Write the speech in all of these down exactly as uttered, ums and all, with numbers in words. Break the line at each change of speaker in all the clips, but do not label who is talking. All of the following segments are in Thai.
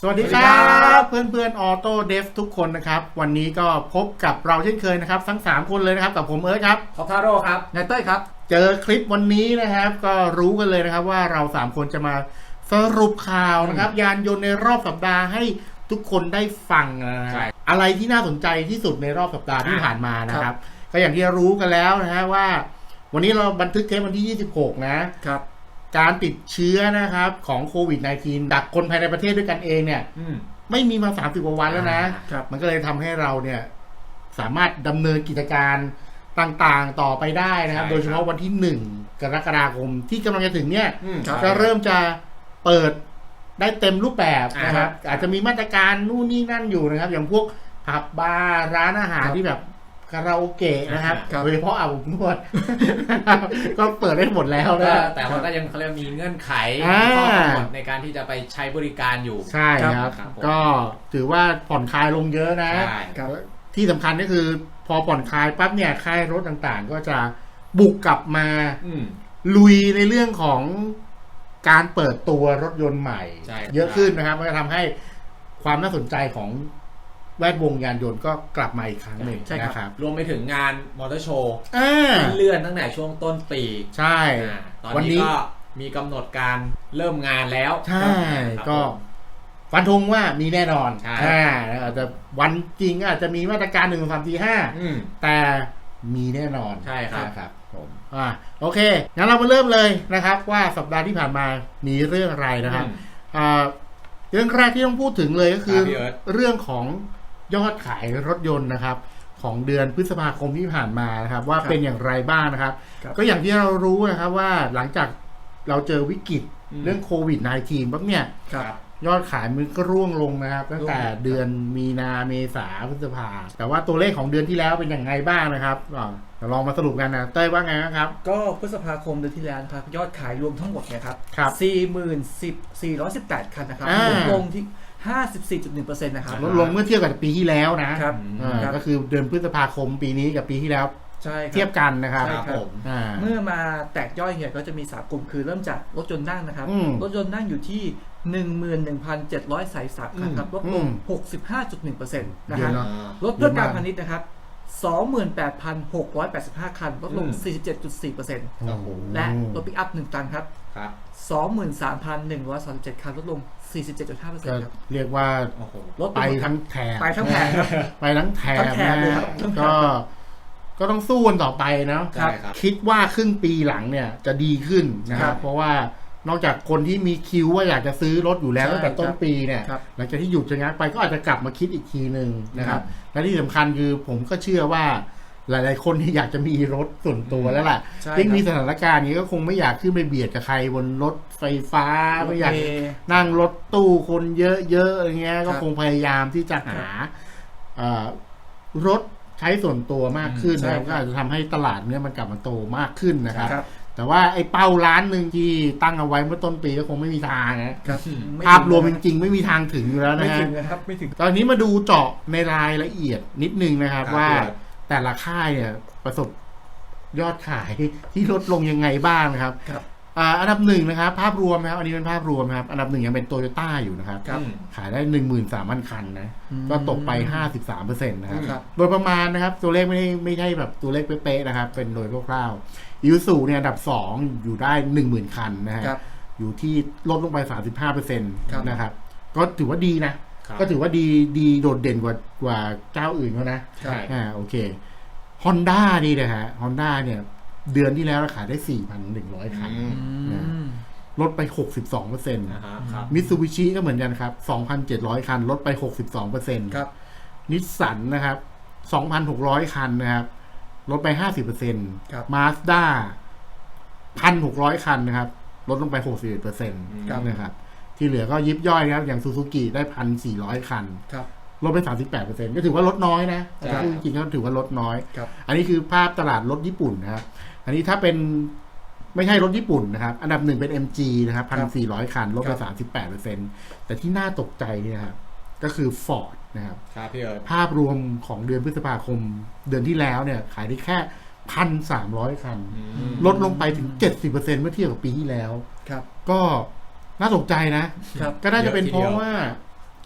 สวัสดีครับเพื่อนเพื่อนออโต้เดฟทุกคนนะครับวันนี้ก็พบกับเราเช่นเคยนะครับทั้งสามคนเลยนะครับกับผมเอิร์ธครับ
ท็อปทาโร่ครับ
นายเต้ยครับ
เจอคลิปวันนี้นะครับก็รู้กันเลยนะครับว่าเราสามคนจะมาสรุปข่าวนะครับยานยนต์ในรอบสัปดาห์ให้ทุกคนได้ฟังนะอะไรที่น่าสนใจที่สุดในรอบสัปดาห์ที่ผ่านมานะครับก็อย่างที่รู้กันแล้วนะฮะว่าวันนี้เราบันทึกเทปวันที่ยี่สิบหกนะครับการติดเชื้อนะครับของโควิด สิบเก้า ดักคนภายในประเทศด้วยกันเองเนี่ยไม่มีมาสามสิบกว่าวันแล้วนะมันก็เลยทำให้เราเนี่ยสามารถดำเนินกิจการต่างๆต่อไปได้นะครับโดยเฉพาะวันที่หนึ่งกรกฎาคมที่กำลังจะถึงเนี่ยจะเริ่มจะเปิดได้เต็มรูปแบบนะครับอาจจะมีมาตรการนู่นนี่นั่นอยู่นะครับอย่างพวกผับบาร์ร้านอาหารที่แบบคาราโอเกะนะครับโดยเฉพาะอาบอบนวดก็เปิดได้หมดแล้วนะ
แต่ว่าก็ยังเขาเรียกมีเงื่อนไขข้อกำหนดในการที่จะไปใช้บริการอยู่
ใช่ครับก็ถือว่าผ่อนคลายลงเยอะนะที่สำคัญก็คือพอผ่อนคลายปั๊บเนี่ยค่ายรถต่างๆก็จะบุกกลับมาลุยในเรื่องของการเปิดตัวรถยนต์ใหม่เยอะขึ้นนะครับมันจะทำให้ความน่าสนใจของแวดวงยานยนต์ก็กลับมาอีกครั้งหนึ่งนะครับ
รวมไปถึงงานมอเตอร์โชว์ที่เลื่อนตั้งแต่ช่วงต้นปี
ใช่
ตอนนี้ก็มีกำหนดการเริ่มงานแล้ว
ใช่ก็ฟันธงว่ามีแน่นอนอ่าอาจจะวันจริงอาจจะมีมาตรการหนึ่งสองสามสี่ห้าแต่มีแน่นอน
ใช่ครับ
ครับผมอ่าโอเคงั้นเรามาเริ่มเลยนะครับว่าสัปดาห์ที่ผ่านมามีเรื่องอะไรนะครับอ่าเรื่องแรกที่ต้องพูดถึงเลยก็คือเรื่องของยอดขายรถยนต์นะครับของเดือนพฤษภาคมที่ผ่านมานะครับว่าเป็นอย่างไรบ้างนะครับก็อย่างที่เรารู้นะครับว่าหลังจากเราเจอวิกฤตเรื่องโควิด สิบเก้า ปั๊บเนี่ยยอดขายมันก็ร่วงลงนะครับตั้งแต่เดือนมีนาเมษาพฤษภาแต่ว่าตัวเลขของเดือนที่แล้วเป็นอย่างไรบ้างนะครับเราลองมาสรุปกันนะเต้ยว่าไงครับ
ก็พฤษภาคมเดือนที่แล้วครับยอดขายรวมทั้งหมดเนี่ยครับ สี่หมื่นสี่ร้อยสิบแปด คันนะครับลดลงที่ ห้าสิบสี่จุดหนึ่งเปอร์เซ็นต์ นะครับ
ลดลงเมื่อเทียบกับปีที่แล้วนะครับก็คือเดือนพฤษภาคมปีนี้กับปีที่แล้วเทียบกันนะครับ
เมื่อมาแตกย่อยเนี่ยก็จะมีสามกลุ่มคือเริ่มจากรถยนต์นั่งนะครับรถยนต์นั่งอยู่ที่ หนึ่งหมื่นหนึ่งพันเจ็ดร้อยสายสับคันครับลดลง หกสิบห้าจุดหนึ่งเปอร์เซ็นต์ นะครับรถเพื่อการพาณิชย์นะครับ สองหมื่นแปดพันหกร้อยแปดสิบห้า คันลดลง สี่สิบเจ็ดจุดสี่เปอร์เซ็นต์ และรถปิกอัพหนึ่งตันครับ สองหมื่นสามพันหนึ่งร้อยสามสิบเจ็ด คันลดลง สี่สิบเจ็ดจุดห้าเปอร์เซ็นต์ ครับ
เรียกว่ารถไปทั้งแถบ
ไปทั้งแถบครับ
ไปทั้งแถบนะก็ก็ต้องสู้กันต่อไปนะคิดว่าครึ่งปีหลังเนี่ยจะดีขึ้นนะครับเพราะว่านอกจากคนที่มีคิวว่าอยากจะซื้อรถอยู่แล้วตั้งแต่ต้นปีเนี่ยหลังจากที่หยุดชะงักไปก็อาจจะกลับมาคิดอีกทีหนึ่งนะครับและที่สำคัญคือผมก็เชื่อว่าหลายๆคนที่อยากจะมีรถส่วนตัวแล้วล่ะยิ่งมีสถานการณ์นี้ก็คงไม่อยากขึ้นไปเบียดกับใครบนรถไฟฟ้าไม่อยากนั่งรถตู้คนเยอะๆอย่างเงี้ยก็คงพยายามที่จะหารถใช้ส่วนตัวมากขึ้นนะก็อาจจะทำให้ตลาดเนี้ยมันกลับมาโตมากขึ้นนะครับแต่ว่าไอ้เป้าล้านหนึ่งที่ตั้งเอาไว้เมื่อต้นปีก็คงไม่มีทางนะภาพรวมจริงๆไม่มีทางถึงอยู่แล้วนะฮะ
ไม่ถึง
ตอนนี้มาดูเจาะในรายละเอียดนิดนึงนะครับว่าแต่ละค่ายเนี่ยประสบยอดขายที่ลดลงยังไงบ้างนะครับอันดับหนึ่งนะครับภาพรวมนะครับอันนี้เป็นภาพรวมครับอันดับหนึ่งยังเป็นโตโยต้าอยู่นะครับขายได้ หนึ่งหมื่นสามพัน คันนะก็ตกไป ห้าสิบสามเปอร์เซ็นต์ นะครับโดยประมาณนะครับตัวเลขไม่ได้ไม่ใช่แบบตัวเลขเป๊ะๆนะครับเป็นโดยคร่าวๆยูซูเนี่ยอันดับสองอยู่ได้ หนึ่งหมื่น คันนะฮะอยู่ที่ลดลงไป สามสิบห้าเปอร์เซ็นต์ นะครับก็ถือว่าดีนะก็ถือว่าดีดีโดดเด่นกว่ากว่าเจ้าอื่นเขานะอ่าโอเค Honda ดีนะฮะ Honda เนี่ยเดือนที่แล้วขายได้ สี่พันหนึ่งร้อย คันลดไป หกสิบสองเปอร์เซ็นต์ มิตซูบิชิก็เหมือนกันครับ สองพันเจ็ดร้อย คันลดไป หกสิบสองเปอร์เซ็นต์ ครับนิสสันนะครับ สองพันหกร้อย คันนะครับลดไป ห้าสิบเปอร์เซ็นต์ ครับ Mazda หนึ่งพันหกร้อย คันนะครับลดลงไป หกสิบเอ็ดเปอร์เซ็นต์ นะครับที่เหลือก็ยิบย่อยนะครับอย่างซูซูกิได้ หนึ่งพันสี่ร้อย คันครับลดไป สามสิบแปดเปอร์เซ็นต์ ก็ถือว่าลดน้อยนะพูดจริงๆก็ถือว่าลดน้อยอันนี้คือภาพตลาดรถญี่ปุ่นนะครับอันนี้ถ้าเป็นไม่ใช่รถญี่ปุ่นนะครับอันดับหนึ่งเป็น เอ็ม จี นะครับ หนึ่งพันสี่ร้อย คันลดไป สามสิบแปดเปอร์เซ็นต์ แต่ที่น่าตกใจเนี่ยครับก็คือ Ford นะครับภาพรวมของเดือนพฤษภาคมเดือนที่แล้วเนี่ยขายได้แค่ หนึ่งพันสามร้อย คันลดลงไปถึง เจ็ดสิบเปอร์เซ็นต์ เมื่อเทียบกับปีที่แล้วก็น่าตกใจนะก็น่าจะเป็นเพราะว่า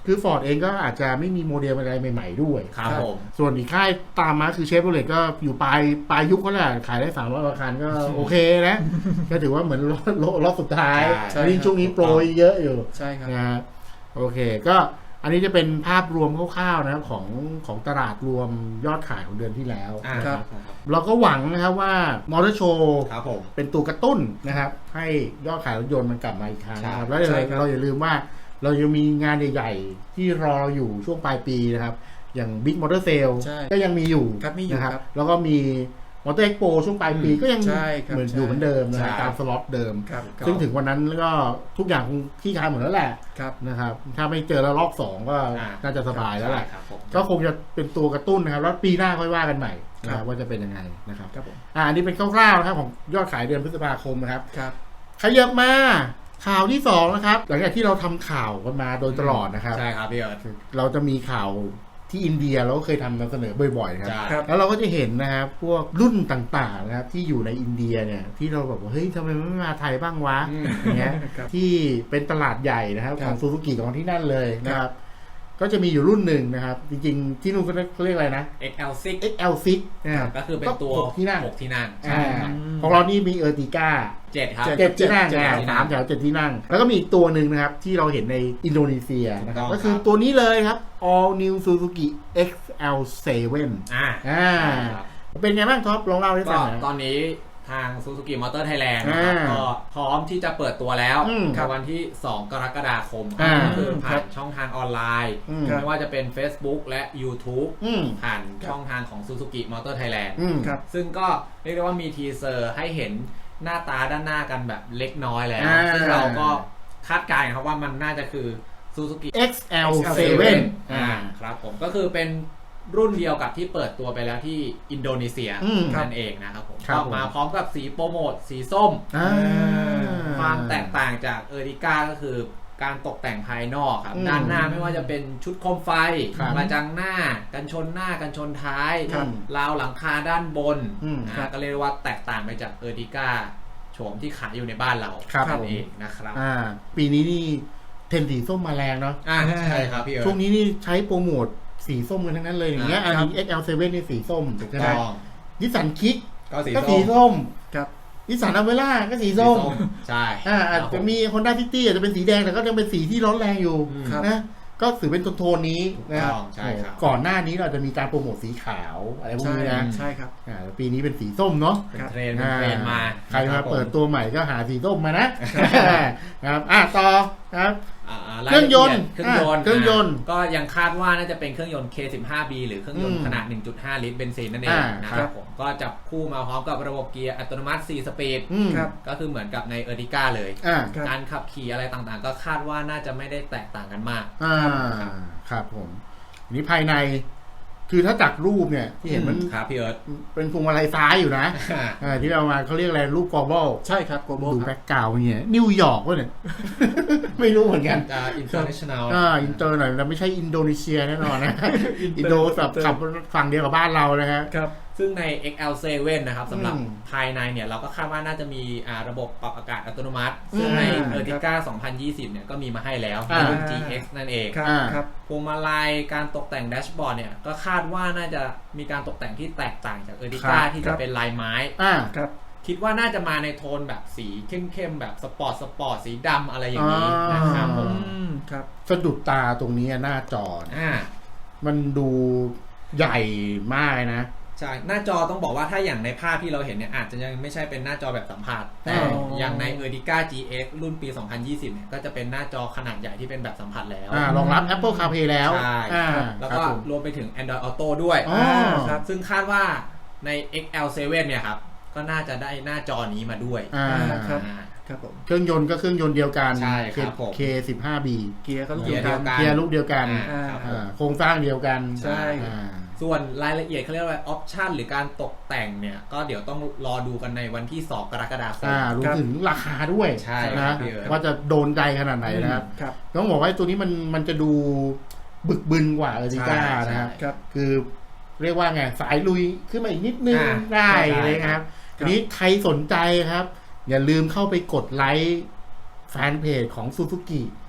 คือ Ford เองก็อาจจะไม่มีโมเดลอะไรใหม่ๆด้วย
ครับผม
ส่วนอีกค่ายตามมาคือเชฟโรเลตก็อยู่ปลายปลายยุคก็แหละขายได้สามร้อยกว่าคันก็โอเคนะ ก็ถือว่าเหมือนรอบสุดท้าย
ใช่
อันนี้ช่วงนี้โปรยเยอะอยู่
ใช่ครับ
นะฮะโอเคก็อันนี้จะเป็นภาพรวมคร่าวๆนะครับของของตลาดรวมยอดขายของเดือนที่แล้ว
อ่า
นะ
ค
ค
รั
รั
บบ
เราก็หวังนะครับว่ามอเตอร์โชว์
ครับผม
เป็นตัวกระตุ้นนะครับให้ยอดขายรถยนต์มันกลับมาอีกครั้งนะครับ
ใช่
แล้ว
ใช่ครับ
เราอย่าลืมว่าเรายังมีงานใหญ่ๆที่รอเราอยู่ช่วงปลายปีนะครับอย่าง Big Motor Sale
ใช่
ก็ยังมีอยู่
ครับมีอยู่
นะครับ
ครับ
แล้วก็มีมอเตอร์เอ็กโปช่วงปลายปีก็ยัง
ใช่ครับ
เหมือน
ใช่
อยู่เหมือนเดิมนะค
ใช่
รับตามสล็อตเดิม
ครับ
ซึ่งถึงวันนั้นก็ทุกอย่างคงที่คลายหมดแล้วแหละ
ครับ
นะครับถ้าไม่เจอแล้วรอบสองก็
อ่า
น่าจะสบายแล้วแหละ
ครับผม
ก็คงจะเป็นตัวกระตุ้นนะครับแล้วปีหน้าค่อยว่ากันใหม่นะค
ครั
รับบ ว่าจะเป็นยังไงนะครับ
ครับผม
อ่าอันนี้เป็นคร่าวๆนะครับของยอดขายเดือนพฤษภาคมนะครับ
ครับ
ขยับมาข่าวที่สองนะครับหลังจากที่เราทำข่าวกันมาโดยตลอดนะครับ
ใช่ครับพี่เอิร์ธ
เราจะมีข่าวที่อินเดียเราก็เคยทำนำเสนอบ่อยๆนะครับ
ใช่
ครับ
แล้วเราก็จะเห็นนะครับพวกรุ่นต่างๆนะครับที่อยู่ในอินเดียเนี่ยที่เราแบบว่าเฮ้ยทำไมมันไม่มาไทยบ้างวะ
อืม
อย่างเงี้ย
ครับ
ที่เป็นตลาดใหญ่นะครับ
ค
ข
รับ
องซูซูกิของที่นั่นเลยนะครับ ก็จะมีอยู่รุ่นหนึ่งนะครับ จริงๆ ที่นู่นเขาเรียกอะไรนะ
เอ็กซ์ แอล ซิก
เอ็กซ์ แอล ซิก นะครับ
ก็คือเป็นตัว
หกที่นั่ง
หกที่นั่ง
อ่า
ใช่ครับ
ของเรานี่มีเออร์ติก้า
เจ็ดครับ
เจ็ด
เจ็ดที่นั่ง
เจ็ด
อ่า
ที่นั่ง
สามแถวเจ็ดที่นั่ง แล้วก็มีอีกตัวหนึ่งนะครับ ที่เราเห็นในอินโดนีเซียนะครับ
ถูกต้อง
ก็คือตัวนี้เลยครับ All New Suzuki เอ็กซ์ แอล เซเว่น
อ่า
อ่า
ครับ
เป็นไงบ้างท็อปลองเล่าให้ฟั
ก็
งหน่อย
ตอนนี้ทาง Suzuki Motor Thailand นะครับ
อ่า
ก็พร้อมที่จะเปิดตัวแล้ว
อืม
ในวันที่ สองกรกฎาคม
อ่า
ก็คือผ่า
ครั
น
บ
ช่องทางออนไลน์
อืม
ไม่ว่าจะเป็น Facebook และ YouTube
อืม
ผ่านช่องทางของ Suzuki Motor Thailand
อืม
ครับ
ซึ่งก็เรียกได้ว่ามีทีเซอร์ให้เห็นหน้าตาด้านหน้ากันแบบเล็กน้อยแล้ว
อ่า
ซึ่งเราก็คาดการณ์ครับว่ามันน่าจะคือ Suzuki
เอ็กซ์ แอล เซเว่น
อ่าครับผมก็คือเป็นรุ่นเดียวกับที่เปิดตัวไปแล้วที่อินโดนีเซีย
อืม
นั่นเองนะครับผม
ครับ
ก็
ผม
มาพร้อมกับสีโปรโมทสีส้ม
อ่า
ความแตกต่างจากเออริก้าก็คือการตกแต่งภายนอกครับ
อืม
ด้านหน้าไม่ว่าจะเป็นชุดโคมไฟ
ครับ
กระจังหน้า กันชนหน้ากันชนท้าย
ครับ
ราวหลังคาด้านบน
อืม
นะก็เรียกว่าแตกต่างไปจากเออริก้าโฉมที่ขายอยู่ในบ้านเรา
ครับ
นั่
ผม
นเองนะครับ
อ่า ปีนี้นี่เทรนด์สีส้มมาแรงเนาะ
อ่าใช่ครับพี่เอิร์ธ
ช่วงนี้นี่ใช้โปรโมทสีส้มกันทั้งนั้นเลยอย่างเงี้ย
อ่า
อัน
ครับ
นี้ เอ็กซ์ แอล เซเว่นนี่สีส้มถูก
ถูก
ไหม
ต้อง
นิสสันคิก
ก็สี
ก็
ส้
สี
ม
ส้ม
ครับ
นิสสันอเวล่าก็สีส้ม
ใช่
อ่าอาจจะมี Honda City อาจจะเป็นสีแดงแต่ก็ยังเป็นสีที่ร้อนแรงอยู่
อืม
ครับ
นะก็ถือเป็นโทนๆนี้นะครับ
ถูกต้องใช่ครับ
ก่อนหน้านี้เราจะมีการโปรโมทสีขาวอะไรพวก
ใช่
นี้นะ
ใช่ครับ
อ่าปีนี้เป็นสีส้มเนาะ
เป็นเทรนด์เป็นเทรนด์มา
ใคร
นะ
มา
บผ
เปิดตัวใหม่ก็หาสีส้มมานะ นะครับอ่ะต่อครับ
อ่า
เครื่องยนต์
เครื่องยนต์
อ่าเครื่องยนต์
าก็ยังคาดว่าน่าจะเป็นเครื่องยนต์ เค สิบห้า บี หรือเครื่องยน
อื
ต์
ม
ขนาด หนึ่งจุดห้า ลิตรเบนซินนั่นเอง
อ่า
นะ
ค
ค
รั
รับ บผมก็จับคู่มาพร้อมกับระบบเกียร์อัตโนมัติสี่สปีด
อืม
ครับ
ก็คือเหมือนกับในเออร์ติก้าเลย
อ่า
ครับ
การขับขี่อะไรต่างๆ ก็คาดว่าน่าจะไม่ได้แตกต่างกันมาก
อ่าครับผมอันนี้ภายใน คือถ้าจากรูปเนี่ยที่เห็นมัน
ครับพี่เอิร์ธ
เป็นพวงมาลัยซ้ายอยู่นะอ่าที่เรามาเขาเรียกอะไรรูปกอร์บอล
ใช่ครับโกโบ
ดู
ค
แบ็
รับ
กกราวด์เนี่ยนิวยอร์กวะเนี่ย ไม่รู้เหมือนกัน
จะอินเตอร์เนชั่นแนล
อ่าอินเตอร์หน่อยแต่ไม่ใช่อินโดนีเซียแน่นอนนะ อินโดแบบขับฝั่งเดียวกับบ้านเรานะฮะ
ครับ
ซึ่งใน เอ็กซ์ แอล เซเว่น นะครับสำหรับ
อืม
ภายในเนี่ยเราก็คาดว่าน่าจะมีอ่าระบบปรับอากาศอัตโนมัติ ซึ่ง
อืม
ในเออร์ติก้าสองพันยี่สิบเนี่ยก็มีมาให้แล้วใน
อ่า
รุ่น จี เอ็กซ์ นั่นเอง
ครับ
อ่า
ครับ
พวงมาลัยการตกแต่งแดชบอร์ดเนี่ยก็คาดว่าน่าจะมีการตกแต่งที่แตกต่างจากเออร์ติก้า
ครับ
ที่
ครั
จะ
บ
เป็นลายไม้
อ่า
ครับ
คิดว่าน่าจะมาในโทนแบบสีเข้มๆแบบสปอร์ตสปอร์ตสีดำอะไรอย่างนี้
อ่าน
นะครับผ
อื
ม
มครับ
สะดุดตาตรงนี้หน้าจอนะ
อ่า
มันดูใหญ่มากเลยนะ
ใช่หน้าจอต้องบอกว่าถ้าอย่างในภาพที่เราเห็นเนี่ยอาจจะยังไม่ใช่เป็นหน้าจอแบบสัมผัสแต่
อ๋อ
อ
อ
ย่างใน เออร์ติก้า จี เอ็กซ์ รุ่นปี สองพันยี่สิบ เนี่ยก็จะเป็นหน้าจอขนาดใหญ่ที่เป็นแบบสัมผัสแล้ว
อ่ารองรับ Apple CarPlay แล้ว
ใช่
อ่า
แล้ว
ครั
ก็
บผม
รวมไปถึง Android Auto ด้วย
อ๋อ
ครับ
ซึ่งคาดว่าใน เอ็กซ์ แอล เซเว่น เนี่ยครับก็น่าจะได้หน้าจอนี้มาด้วย
อ่า
ครับ
อ่า
ครับผม
เครื่องยนต์ก็เครื่องยนต์เดียวกัน
ใช่ครับผม
เค สิบห้า บี
เกียร์ก็ลูก
เกี
เดี
ย
ย
ร์
ว
เดี
กั
ย
น
วกัน
เกียร์ลูกเดียวกัน
อ่าครับผม
อ่าโครงสร้างเดียวกัน
ใช่
อ่า
ส่วนรายละเอียดเขาเรียกว่าออปชันหรือการตกแต่งเนี่ยก็เดี๋ยวต้องรอดูกันในวันที่ สอง กรกฎาคม
อ่ารวมถึงราคาด้วย
ใช่ครั
นะ
บพี่เอิร์ธ
ว่าจะโดนใจขนาดไหนนะครับ
ครับ
ต้องบอกว่าตัวนี้มันมันจะดูบึกบึนกว่าเออร์ติก้า
ใช่
นะครับ
ครับ
คือเรียกว่าไงสายลุยขึ้นมาอีกนิดนึง
อ่า
ได้
ใช่
เลยครับ
ครับ
ทีนี้ใครสนใจครับ อย่าลืมเข้าไปกดไลค์แฟนเพจของซูซูกิ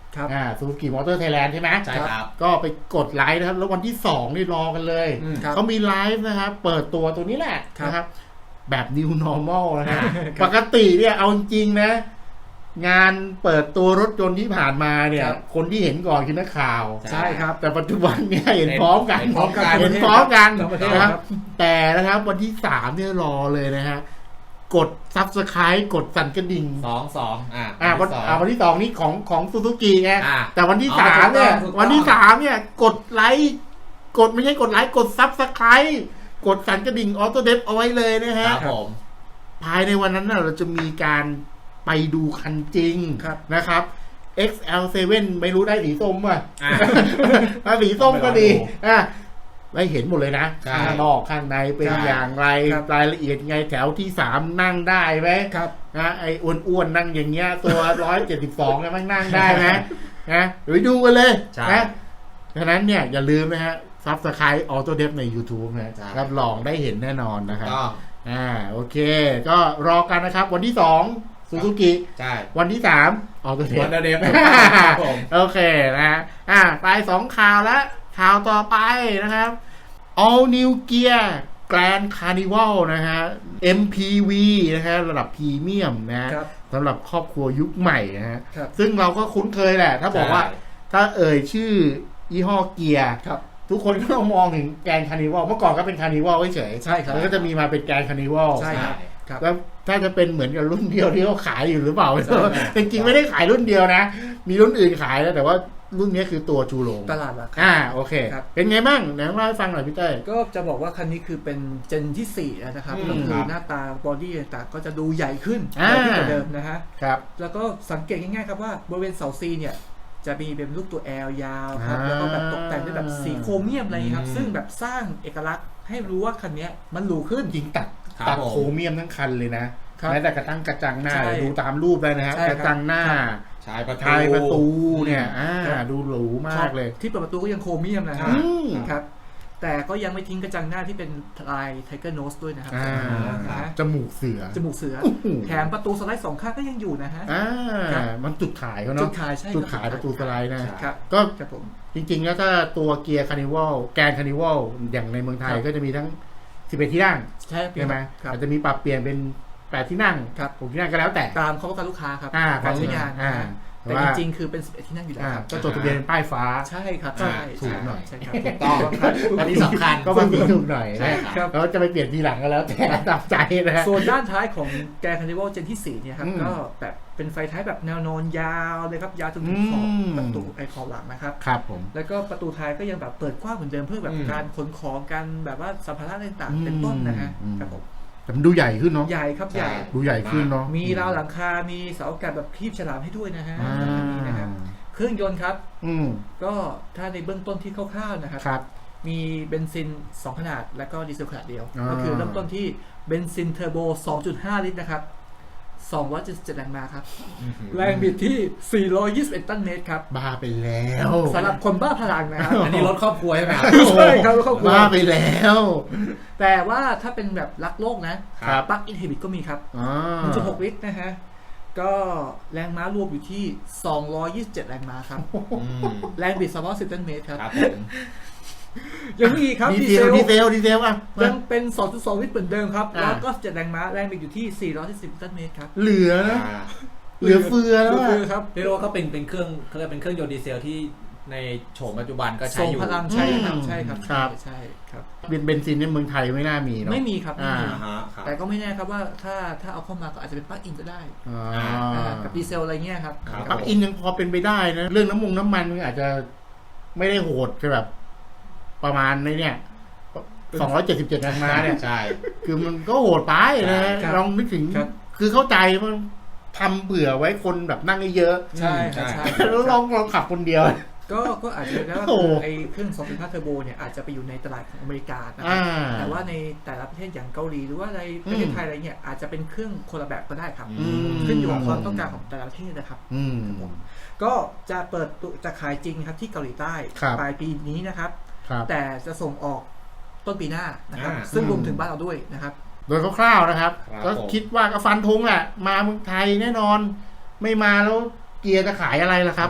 ครับ
อ่าซูซูกิมอเตอร์ไทยแลนด์ใช่ไหม
ใช่ครับ
ก็ไปกดไลค์นะครับแล้ววันที่สองนี่รอกันเลย
อืม
ครับ
เขามีไลฟ์นะครับเปิดตัวตัวนี้แหละ
ครับ
นะครับแบบ new normal นะฮะปกติเนี่ยเอาจริงๆนะงานเปิดตัวรถยนต์ที่ผ่านมาเนี่ย
ครับ
คนที่เห็นก่อนคือนักข่าว
ใช่ครับ
แต่ปัจจุบันเนี่ยเห็นพร้อมกัน
เห็นพร้อมกัน
เห็นพร้อมกัน
ทั้งประเทศ
นะครับ
ครับ
แต่นะครับวันที่สามเนี่ยรอเลยนะฮะกด Subscribe กดสั่นกระดิ่ง
สองสองอ่า
อ่าวัน
ที่สอง
อ่าวันที่สองนี่ของของซูซูกิไง
อ่า
แต่วันที่
อ๋อ
สามเนี่ย
ถูกต้อง
วันที่สามเนี่ยกดไลค์กดไม่ใช่กดไลค์กด Subscribe กดสั่นกระดิ่งออโต้เดฟเอาไว้เลยนะ
ค
ฮะ
รับผม
ภายในวันนั้นน่ะเราจะมีการไปดูคันจริง
ครับ
นะครับ เอ็กซ์ แอล เซเว่น ไม่รู้ได้สีส้มป่ะ
อ่า
ถ้าสีส้มก็ดี
ต้องไปลองดู
อ่ะได้เห็นหมดเลยนะ
ใช่
ข้างนอกข้างในเป็น
ใช่
อย่างไร
ครับ
รายละเอียดไงแถวที่สามนั่งได้ไหม
ครับ
นะไอ้อ้วนๆนั่งอย่างเงี้ยตัวร้อยเจ็ดสิบสองเนี่ยมันนั่งได้ไหมนะไปดูกันเลย
ใช่
นะฉะนั้นเนี่ยอย่าลืมนะฮะซับสไครต์ออโต้เดฟใน YouTube นะ
ใช่
รับรองได้เห็นแน่นอนนะครับ
ต้อง
อ่าโอเค ก็รอกันนะครับ วันที่สองซูซูกิ
ใช่
วันที่สามออโต้เด
วั
ฟ
นเดฟครับผม
โอเคนะฮะอ่าไปสองข่าวแล้วข่าวต่อไปนะครับ All New Gear Grand Carnival นะฮะ เอ็ม พี วี นะฮะระดับพรีเมียมนะฮะ
ครับ
สำหรับครอบครัวยุคใหม่นะฮะ
ครับ
ซึ่งเราก็คุ้นเคยแหละ ถ้าบอกว่า
ใช่
ถ้าเอ่ยชื่อยี่ห้อเกียร์
ครับ
ทุกคนก็ต้องมองถึงแกรนด์คาร์นิวัลเมื่อก่อนก็เป็นคาร์นิวัลเฉยๆ
ใช่ครับ
แล้วก็จะมีมาเป็นแกรนด์คาร์นิวัล
ใช่ครับ ครับ
แล้วถ้าจะเป็นเหมือนกับรุ่นเดียวที่เขาขายอยู่หรือเปล่า
ใช่ครับ
จริงๆไม่ได้ขายรุ่นเดียวนะ มีรุ่นอื่นขายแล้วแต่ว่ารุ่นนี้คือตัวชูโรง
ตลาดหลักครับ
อ่าโอเค
ครับ
เป็นไงบ้างไหนเล่าให้ฟังหน่อยพี่เต้ย
ก็จะบอกว่าคันนี้คือเป็นเจนที่สี่แล้วนะครับ
อืม
ก็คื
ค
อ
รับ
หน้าตาบอดี้ต่างๆก็จะดูใหญ่ขึ้น
อ่า
ใหญ่ขึ้นกว่าเดิมนะฮะ
ครับ
แล้วก็สังเกตง่ายๆครับว่าบริเวณเสาซีเนี่ยจะมีเป็นลูกตัว L ยาวครับแล้วก็แบบตกแต่งด้วยแบบสีโครเมียมอะไรอย่างเงี้ยครับ
อืม
ซึ่งแบบสร้างเอกลักษณ์ให้รู้ว่าคันนี้มันหรูขึ้น
จริงตัด
ครับ
ตัด
ผม
โครเมียมทั้งคันเลยนะครับ แม้แต่กระตั้งกระจังหน้า
ใช่
ดูตามรูปได้นะฮะ
ใช่
ก
ครับ
ระจังหน้า
ชายประตู
ท้ายประตูเนี่ยอ่า
ครับ
ดูหรูมากเลย
ที่เปิดประตูก็ยังโครเมียมนะฮะ
อืม
ครับ แต่ก็ยังไม่ทิ้งกระจังหน้าที่เป็นลายไทเกอร์โนสด้วยนะครับ
อ่า
นะฮะ
จมูกเสือ
จมูกเสือ
โอ้โห
แถมประตูสไลด์สองข้างก็ยังอยู่นะฮะ
อ่า
ครับ
มันจุดขายเขา
จุ
เนาะ
ดขายใช่
จุด
ค
ขายประตูสไลด์นะ
ครับ
ก็
ครับผม
จริงๆ แล้วถ้าตัวเกียร์คาร์นิวัลแกนคาร์นิวัลอย่างในเมืองไทย
ครับ
ก็จะมีทั้งสิบเอ็ดที่นั่ง
ใช่
ใช่ไหม
ครับ
อาจจะมีปรับเปลี่ยนเป็นแปดที่นั่ง
ครับ
หกที่นั่งก็แล้วแต่
ตามเขาต้องการลูกค้าครับ
อ่า
การใช้งาน
อ่า
นะฮะ
แต่
แต่
ว่า
จริงๆ คือเป็นสิบเอ็ดที่นั่งอยู่แล้ว
อ่า
ครับ
ก็จดทะเบียนเป็นป้ายฟ้า
ใช่ครับ
อ่า
ใช่
ถูกหน่อย
ใช่ครับ
ถูกต้องครับอันนี้สำคัญ
ก็บางทีถูกหน่อย
ใช่
นะครับ แล้วจะไปเปลี่ยนทีหลังก็แล้วแต่ตามใจนะฮะ
ส่วนด้านท้ายของแกรนด์คาร์นิวัลเจนที่สี่เนี่ยครับ
อืม
ก็แบบเป็นไฟท้ายแบบแนวนอนยาวเลยครับ ยาวจนถึงขอบ
อืม
ประตูไอขอบหลังนะครับ
ครับผม
แล้วก็ประตูท้ายก็ยังแบบเปิดกว้างเหมือนเดิมเพื่อแบบ
อืม
การขนของกันแบบว่าสัมภาระต่าง
อืม
ๆเป็นต้นนะฮะ
อืม
ครับผม
แต่มันดูใหญ่ขึ้นเนาะ
ใหญ่ครับใหญ่
ดูใหญ่ขึ้นเนาะ
มีราวหลังคา มีเสาอากาศแบบครีบฉลามให้ด้วยนะฮะ
อ่า
คันนี้นะครับเครื่องยนต์ครับ
อืม
ก็ถ้าในเบื้องต้นที่คร่าวๆนะครับ
ครับ
มีเบนซินสองขนาดและก็ดีเซลขนาดเดียว
อ่า
ก็คือเริ่มต้นที่เบนซินเทอร์โบ สองจุดห้า ลิตรนะครับสองร้อยเจ็ดสิบเจ็ดแรงม้าครับ แรงบิดที่ สี่ร้อยยี่สิบเอ็ด ตันเมตรครับ
บ้าไปแล้ว
สำหรับคนบ้าพลังนะครับ
อันนี้รถครอบครัวใช่ไหมครับ
ใช่ครับรถครอบครัว
บ้าไปแล้ว
แต่ว่าถ้าเป็นแบบรักโลกนะครับ ปลั๊กอินฮิบิตก็มีครับ
อ่า
หนึ่งจุดหก ลิตรนะฮะ ก็แรงม้ารวมอยู่ที่ สองร้อยยี่สิบเจ็ด แรงม้าครับ
อืม
แรงบิดสองร้อยสิบ ตันเมตรครับ
ครับผม
ยังมีอีกครับ
ดี
ดี
เซ
เซ
ล
ล
ดีเซลดีเซลอ่ะ
ยังเป็น สองจุดสอง ลิตรเหมือนเดิมครับ
อ่า
แล้วก็เจ็ดแรงม้า แรงบิดอยู่ที่ สี่ร้อยสิบ ตันเมตรครับ
เหลือนะ
อ่า
เหลือเฟือแล้ว
คือ
อะ
ครับ
เรียกได้ว่าก็เป็นเป็นเครื่องเขาเรียกเป็นเครื่องยนต์ดีเซลที่ในโฉมปัจจุบันก็ใช้
ส่ง
อยู่
พลังใช่ครับใช่ครับ
ครับ
ใช่ครับ
เบนเบนซินในเมืองไทยไม่น่ามีเนาะ
ไม่มีครับไม่มี
อ่า
อ่าฮะครับ
แต่ก็ไม่แน่ครับว่าถ้าถ้าเอาเข้ามาก็อาจจะเป็นปลั๊กอินก็ได้
อ่า
อ่ากับดีเซลอะไรเงี้ยครับ
ครับ
ปลั๊กอินยังพอเป็นไปได้นะ เรื่องน้ำมันน้ำมันมันอาจจะไม่ได้โหดแบบ ประมาณในเนี่ยสองร้อยเจ็ดสิบเจ็ดแรงม้าเนี่ย
ใช่
คือมันก็โหดไปนะ
ครับ
ลองนึกถึง
ครับ
คือเข้าใจมันทำเผื่อไว้คนแบบนั่งเยอะ
ใช่ครับ
ใช่
ใช่
ๆแล้วลองลองขับคนเดียว
ก็ก็อาจจะเป็นได้ว่า
โอ้
คือไอ้เครื่อง สองจุดห้า เทอร์โบเนี่ยอาจจะไปอยู่ในตลาดของอเมริกานะครั
อ่า
บแต่ว่าในแต่ละประเทศอย่างเกาหลีหรือว่าในประเทศไทยอะไรเงี้ยอาจจะเป็นเครื่องคนละแบบก็ได้ครับ
อืม
ขึ้นอยู่กับความต้องการของแต่ละประเทศนะครับ
อืม
ก็จะเปิดตัวจะขายจริงครับที่เกาหลีใต้
ครับ
ปลายปีนี้นะครับ
ครับ
แต่จะส่งออกต้นปีหน้านะครับ
อ่า
ซึ่งรวมถึงบ้านเราด้วยนะครับ
โดยคร่าวๆนะครับ
ครับ
ก็
ผม
คิดว่าก็ฟันธงแหละ มาเมืองไทยแน่นอน ไม่มาแล้วเกียร์จะขายอะไรล่ะครับ
ใช่
ใ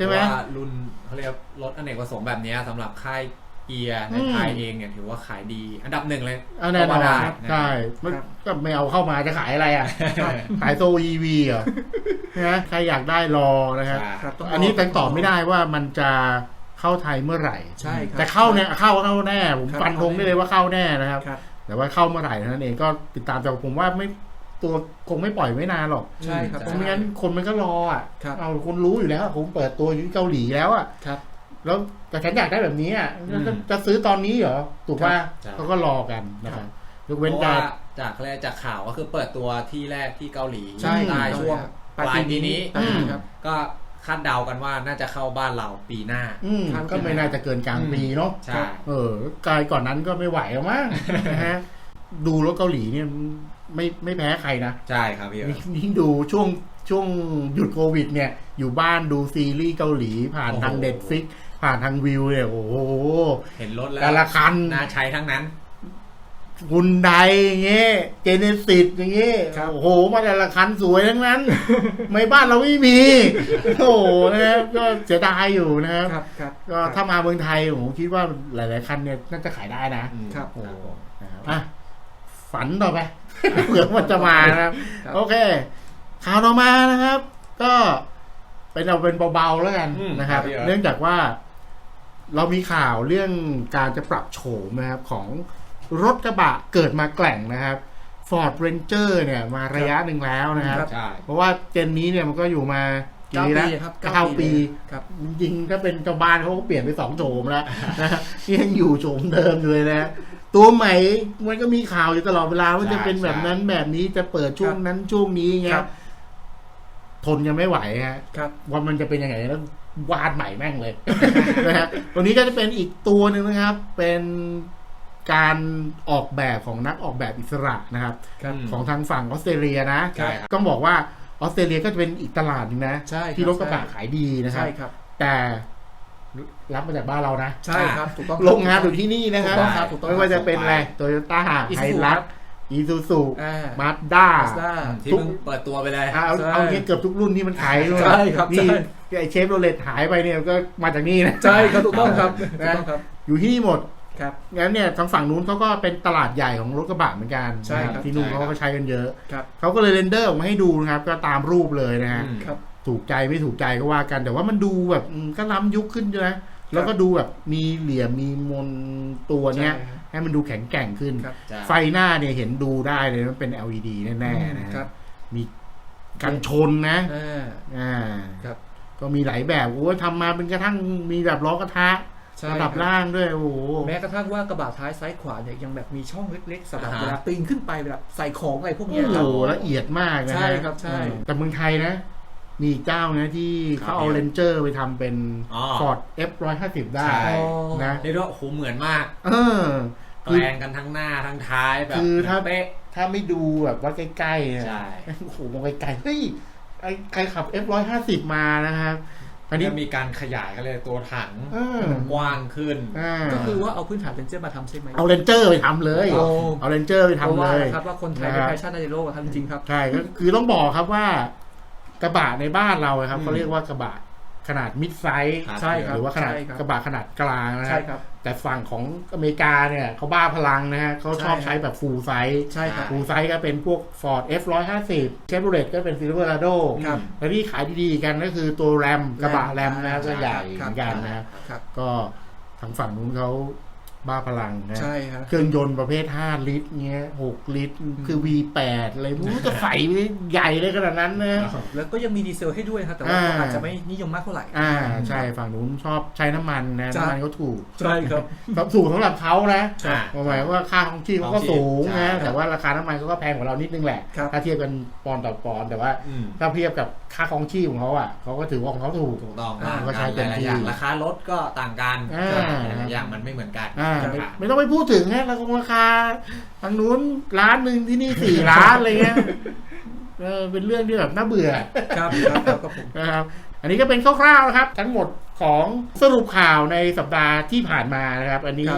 ช่ไหม
ว่ารุ่นเขาเรียกรถอเนกประสงค์แบบนี้สำหรับค่ายเกียร์ในไทยเองเนี่ยถือว่าขายดีอันดับหนึ่งเลย
แน่นอนใช่ก็ไม่เอาเข้ามาจะขายอะไรอ่ะขายโซ อี วี เหรอนะใครอยากได้รอนะครับอันนี้ตั้งตอบไม่ได้ว่ามันจะเข้าไทยเมื่อไหร่
ใช่
แต่เข้าเนี่ยเข้าเข้าแน่ผมฟันธงได้เลยว่าเข้าแน่นะครับแต่ว่าเข้าเมื่อไหร่นั่นเองก็ติดตามแต่ผมว่าไม่ตัวคงไม่ปล่อยไม่นานหรอก
ใช่ครับ
เพราะไม่งั้นคนมันก็รออ่ะเอาคนรู้อยู่แล้วผมเปิดตัวอยู่ที่เกาหลีแล้วอ่ะแล้วแต่ฉันอยากได้แบบนี้อ่ะจะซื้อตอนนี้เหรอถูกป่ะเขาก็รอกันนะครับยกเว้นการ
จากแรกจากข่าวก็คือเปิดตัวที่แรกที่เกาหลี
ใช่
ช่วงปลายปีนี้ก็คาดเดากันว่าน่าจะเข้าบ้านเราปีหน้า
ก็ไม่น่าจะเกินกลางปีเนาะ
ใช่
เออกายก่อนนั้นก็ไม่ไหวแล้วมั้งนะฮะดูรถเกาหลีเนี่ยไม่ไม่แพ้ใครนะ
ใช่ครับพี่
นี่ดูช่วงช่วงหยุดโควิดเนี่ยอยู่บ้านดูซีรีส์เกาหลีผ่านทาง Netflix ผ่านทางวิวเนี่ยโอ้โห
เห็นรถแล้ว
แต่ละคัน
น่าใช้ทั้งนั้น
ฮุนไดอย่างเงี้ยเจเนซิสอย่างเงี้ยโอ้โหมาแต่ละคันสวยทั้งนั้นไม่บ้านเราไม่มีโอ้โหนะครับก็เสียดายอยู่นะครับก็ถ้ามาเมืองไทยผมคิดว่าหลายๆคันเนี่ยน่าจะขายได้นะครับโอ้นะครับอ่ะฝันต่อไปเผื่อมันจะมานะครับโอเคข่าวต่อมานะครับก็เป็นเอาเป็นเบาๆแล้วกันนะครับเนื่องจากว่าเรามีข่าวเรื่องการจะปรับโฉมนะครับของรถกระบะเกิดมาแกร่งนะครับ Ford Ranger เนี่ยมาระยะหนึ่งแล้วนะครับเพราะว่าเจนนี้เนี่ยมันก็อยู่มากี่ปีแล้วเก้าปีจริงๆถ้าเป็นเจ้าบ้านเขาก็เปลี่ยนไปสองโฉมแล้วนะยังอยู่โฉมเดิมอยู่เลยนะตัวใหม่มันก็มีข่าวอยู่ตลอดเวลาว่าจะเป็นแบบนั้นแบบนี้จะเปิดช่วงนั้นช่วงนี้เงี้ยทนยังไม่ไหวฮะว่ามันจะเป็นยังไงแล้ววาดใหม่แม่งเลยนะฮะตัวนี้ก็จะเป็นอีกตัวหนึ่งนะครับเป็นการออกแบบของนักออกแบบอิสระนะครับของทางฝั่งออสเตรเลียนะต้องบอกว่าออสเตรเลียก็จะเป็นอีกตลาดนึงนะที่รถกระบะขายดีนะครับแต่รับมาจากบ้านเรานะ
ใช่ครับถูกต้อง
โรงงานอยู่ที่นี่นะครับไม่ว่าจะเป็นอะไรโตโยต้าไฮรัสอีซูซูมาสด้า
ที่มึงเปิดตัวไปเลย
เอาเอาเงี้ยเกือบทุกรุ่นที่มันขาย
ใช่ครับ
นี่ไอเชฟโรเลตหายไปเนี่ยก็มาจากนี่นะ
ใช่ครับถูกต้องครับนะครับ
อยู่ที่นี่หมด
ครับ
งั้นเนี่ยทางฝั่งนู้นเขาก็เป็นตลาดใหญ่ของรถกระบะเหมือนกัน
ใช่ครับ
ที่นู่นเขาก็ใช้กันเยอะเขาก็เลยเรนเดอร์ออกมาให้ดูนะครับก็ตามรูปเลยนะฮะถูกใจไม่ถูกใจก็ว่ากันแต่ว่ามันดูแบบก็ล้ำยุคขึ้นนะแล้วก็ดูแบบมีเหลี่ยมมีมนตัวเนี้ยให้มันดูแข็งแกร่งขึ้นไฟหน้าเนี่ยเห็นดูได้เลยมันเป็น แอล อี ดี แน่ๆนะครับมีกันชนนะอ่าครับก็มีหลายแบบโอ้ทำมาเป็นกระทั่งมีแบบล้อกระทะระดับล่างด้วยโอ้
แม้กระทั่งว่ากระบะท้ายซ้ายขวาเนี่ยยังแบบมีช่องเล็กๆสำหรับเวลาปีนขึ้นไปแบบใส่ของอะไรพวกนี้
โอ้ละเอียดมากนะ
ใช่ครับใช่
แต่เมืองไทยนะมีเจ้านะที่เขาเอาเรนเจอร์ไปทำเป็น Ford เอฟ หนึ่งร้อยห้าสิบ ได้นะ
เรียกว่าโอ้โหเหมือนมาก
เออ
แปลงกันทั้งหน้าทั้งท้ายแบบ
คือถ้าถ้าไม่ดูแบบว่าใกล้ๆ
ใช่
โอ้โหมองไกลๆเฮ้ยไอ้ใครขับ เอฟ หนึ่งร้อยห้าสิบ มานะครับ
อันนี้มีการขยายกันเลยตัวถังกว้างขึ้น
ก็คือว่าเอาพื้นฐานเรนเจอร์มาทำใช่ไหม
เอาเรนเจอร์ไปทำเลยเอาเรนเจอร์ไปทำเลย
ครับว่าคนไทยเป็นแฟชั่นในโลกทำจริงครับ
ใช่ก็คือต้องบอกครับว่ากระบะในบ้านเราครับเขาเรียกว่ากระบะขนาดมิดไซส์
ใช่ครับ
หรือว่าขนาดกระบะขนาดกลางนะครับแต่ฝั่งของอเมริกาเนี่ยเขาบ้าพลังนะฮะเขาชอบใช้แบบฟูลไซส์ฟูลไซส์ก็เป็นพวก Ford เอฟ หนึ่งร้อยห้าสิบ Chevrolet ก็เป็น Silverado และที่ขายดีๆกันก็คือตัวแรมกระบะแรมนะครับก็ใหญ่เหมือนกันนะครับก็ทางฝั่งนู้นเขาบ้าพลังนะ
ใช่ครับ
เครื่องยนต์ประเภทห้าลิตรเงี้ยหกลิตรคือ วี แปด อะไรไม่รู้จะใส่ใหญ่เลยขนาดนั้นนะ
แล้วก็ยังมีดีเซลให้ด้วยครับแต่ว่าอาจจะไม่นิยมมากเท่าไหร่
อ่าใช่ฝั่งนู้นชอบใช้น้ำมันนะน้ำมันเขาถูก
ใช่ครับ
ถูกสำหรับเขานะหมายว่าค่าของชีพเขาก็สูงนะแต่ว่าราคาน้ำมันเขาก็แพงกว่าเรานิดนึงแหละถ้าเทียบกันปอนด์ต่อปอนด์แต่ว่าถ้าเทียบกับค่าของชีพของเขาอ่ะเขาก็ถือว่าของเขาถูก
ถูกต้อง
ก็ใช้เต็มที่
ราคารถก็ต่างกันอย่างมันไม่เหมือนกัน
ไม่ต้องไปพูดถึงฮะราคาราคาทางนู้นร้านหนึ่งที่นี่สี่ล้านอะไรเงี้ยเออเป็นเรื่องที่แบบน่าเบื่อ
ครับครับ
นะครับอันนี้ก็เป็นคร่าวๆนะครับทั้งหมดของสรุปข่าวในสัปดาห์ที่ผ่านมานะครับอันนี้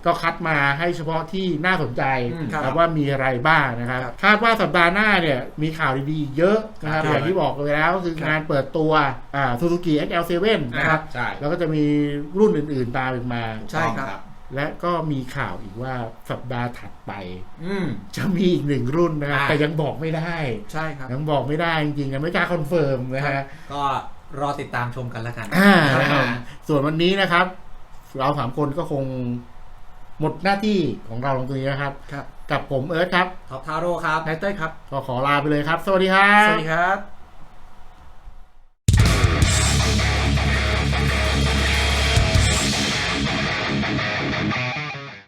ก็คัดมาให้เฉพาะที่น่าสนใจ
อืม
ครับว่ามีอะไรบ้างนะครับ
ครับ
คาดว่าสัปดาห์หน้าเนี่ยมีข่าวดีๆเยอะนะครับ
ครับ
อย่างที่บอกไปแล้วคืองานเปิดตัวอ่า Suzuki เอ็กซ์ แอล เซเว่น นะครับ
ใช่
แล้วก็จะมีรุ่นอื่นๆตามอีกมา
ใช่ครับ
และก็มีข่าวอีกว่าสัปดาห์ถัดไป
อืม
จะมีอีกหนึ่งรุ่นนะครับ
อ่า
แต่ยังบอกไม่ได้
ใช่ครับ
ยังบอกไม่ได้จริงๆยังไม่กล้าคอนเฟิร์มนะฮะ
ก็รอติดตามชมกันแล้วกัน
อ่า
ครับ
นะครับส่วนวันนี้นะครับ เราสามคนก็คงหมดหน้าที่ของเราตรงนี้นะครับ
ครับ
กับผมเอิร์ธครับ
ท็อปทาโร่ครับ
นายเต้ยครับ
ก็ขอลาไปเลยครับ สวัสดีครับ
สวัสดีครับ